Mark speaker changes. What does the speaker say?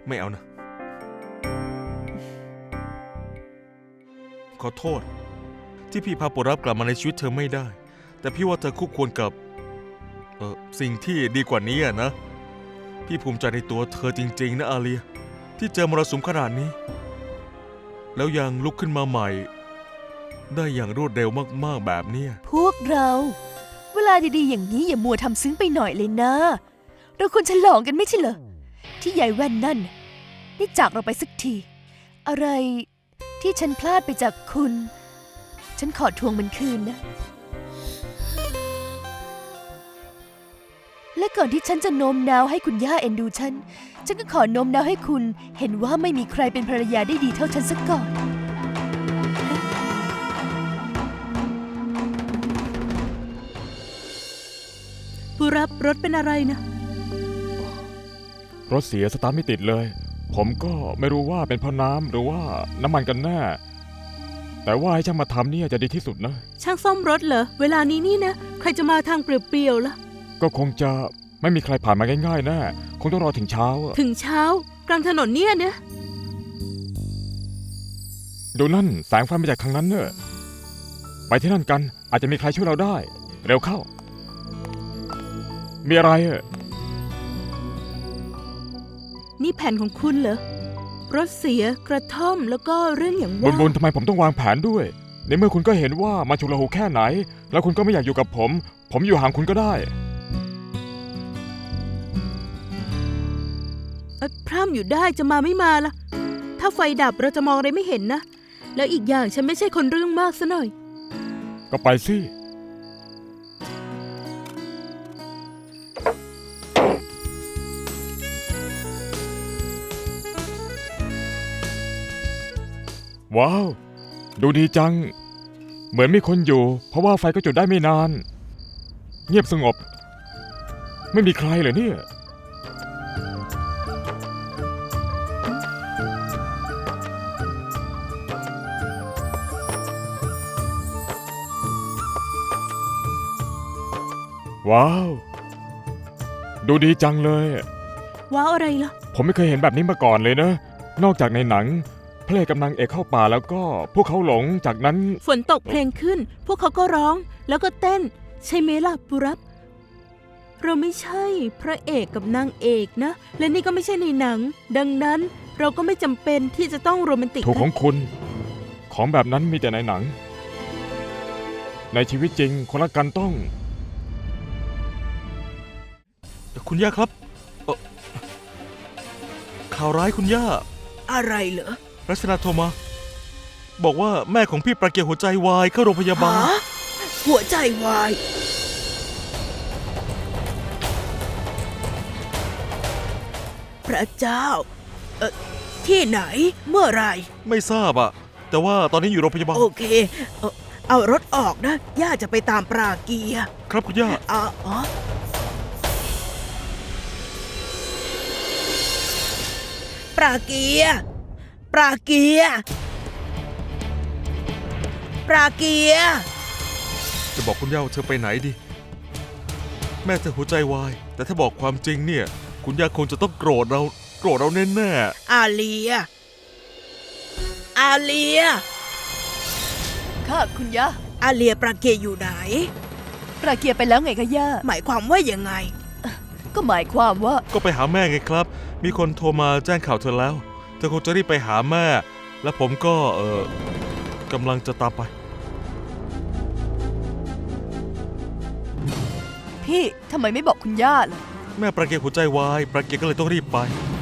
Speaker 1: ไม่เอานะขอโทษที่พี่พาปุรับกลับมาในชีวิตเธอไม่ได้แต่พี่ว่าเธอคู่ควรกับสิ่งที่ดีกว่านี้นะพี่ภูมิใจในตัวเธอจริงๆนะอาเลียที่เจอมรสุมขนาดนี้แล้วยังลุกขึ้นมาใหม่ได้อย่างรวดเร็วมากๆแบบนี้
Speaker 2: พวกเราเวลาดีๆอย่างนี้อย่ามัวทำซึ้งไปหน่อยเลยนะเราควรฉลองกันไม่ใช่เหรอที่ยายแว่นนั่นได้จากเราไปสักทีอะไรที่ฉันพลาดไปจากคุณฉันขอทวงมันคืนนะและก่อนที่ฉันจะโน้มน้าวให้คุณย่าเอ็นดูฉันก็ขอโน้มน้าวให้คุณเห็นว่าไม่มีใครเป็นภรรยาได้ดีเท่าฉันสักก่อน
Speaker 3: ผู้รับรถเป็นอะไรนะ
Speaker 4: รถเสียสตาร์ทไม่ติดเลยผมก็ไม่รู้ว่าเป็นเพราะน้ำหรือว่าน้ำมันกันแน่แต่ว่าให้ช่างมาทำเนี่ยจะดีที่สุดนะ
Speaker 3: ช่างซ่อมรถเหรอเวลานี้นี่นะใครจะมาทางเปลี่ยวๆล่ะ
Speaker 4: ก็คงจะไม่มีใครผ่านมาง่ายๆแน่คงต้องรอถึงเช้า
Speaker 3: ถึงเช้ากลางถนนเนี่ยนะ
Speaker 4: ดูนั่นแสงไฟมาจากทางนั้นเนอะไปที่นั่นกันอาจจะมีใครช่วยเราได้เร็วเข้ามีอะไร
Speaker 3: นี่แผนของคุณเหรอรถเสียกระท่อมแล้วก็เรื่องอย่างว่า
Speaker 4: บุญทำไมผมต้องวางแผนด้วยในเมื่อคุณก็เห็นว่ามันฉุกละหุกแค่ไหนแล้วคุณก็ไม่อยากอยู่กับผมอยู่ห่างคุณก็ได้
Speaker 3: พร่ำอยู่ได้จะมาไม่มาล่ะถ้าไฟดับเราจะมองอะไรไม่เห็นนะแล้วอีกอย่างฉันไม่ใช่คนเรื่องมากซะหน่อย
Speaker 4: ก็ไปสิว้าวดูดีจังเหมือนมีคนอยู่เพราะว่าไฟก็จุดได้ไม่นานเงียบสงบไม่มีใครเหรอเนี่ยว้าวดูดีจังเลย
Speaker 3: ว้าวอะไรล่ะ
Speaker 4: ผมไม่เคยเห็นแบบนี้มาก่อนเลยนะนอกจากในหนังพระเอกกำลังเอกเข้าป่าแล้วก็พวกเขาหลงจากนั้น
Speaker 3: ฝนตกเพลงขึ้นพวกเขาก็ร้องแล้วก็เต้นใช่ไหมล่ะปุรับเราไม่ใช่พระเอกกับนางเอกนะและนี่ก็ไม่ใช่ในหนังดังนั้นเราก็ไม่จำเป็นที่จะต้องโรแมนติก
Speaker 4: ถูกของคุณของแบบนั้นมีแต่ในหนังในชีวิตจริงคนรักกันต้อง
Speaker 1: คุณย่าครับข่าวร้ายคุณย่า
Speaker 3: อะไรเหรอ
Speaker 1: รัชนาโทรมาบอกว่าแม่ของพี่ประเกียหัวใจวายเข้าโรงพยาบาล
Speaker 3: หัวใจวายพระเจ้าที่ไหนเมื่อไร
Speaker 1: ไม่ทราบอะแต่ว่าตอนนี้อยู่โรงพยาบาล
Speaker 3: โอเคเอารถออกนะย่าจะไปตามปราเกีย
Speaker 1: ครับคุณย่า
Speaker 3: ปราเกียปราเกียปราเกีย
Speaker 1: จะบอกคุณย่าว่าเธอไปไหนดีแม่เธอหัวใจวายแต่ถ้าบอกความจริงเนี่ยคุณย่าคงจะต้องโกรธเราแน่
Speaker 3: ๆอาเลีย
Speaker 2: ค่ะคุณย่า
Speaker 3: อาเลียปราเกียอยู่ไหน
Speaker 2: ปราเกียไปแล้วไงคะย่า
Speaker 3: หมายความว่ายังไง
Speaker 2: ก็หมายความว่า
Speaker 1: ก็ไปหาแม่ไงครับมีคนโทรมาแจ้งข่าวเธอแล้วเธอคงจะรีบไปหาแม่และผมก็กำลังจะตามไป
Speaker 2: พี่ทำไมไม่บอกคุณย่าล่ะ
Speaker 1: แม่ประเกียหัวใจวายประเกียก็เลยต้องรีบไป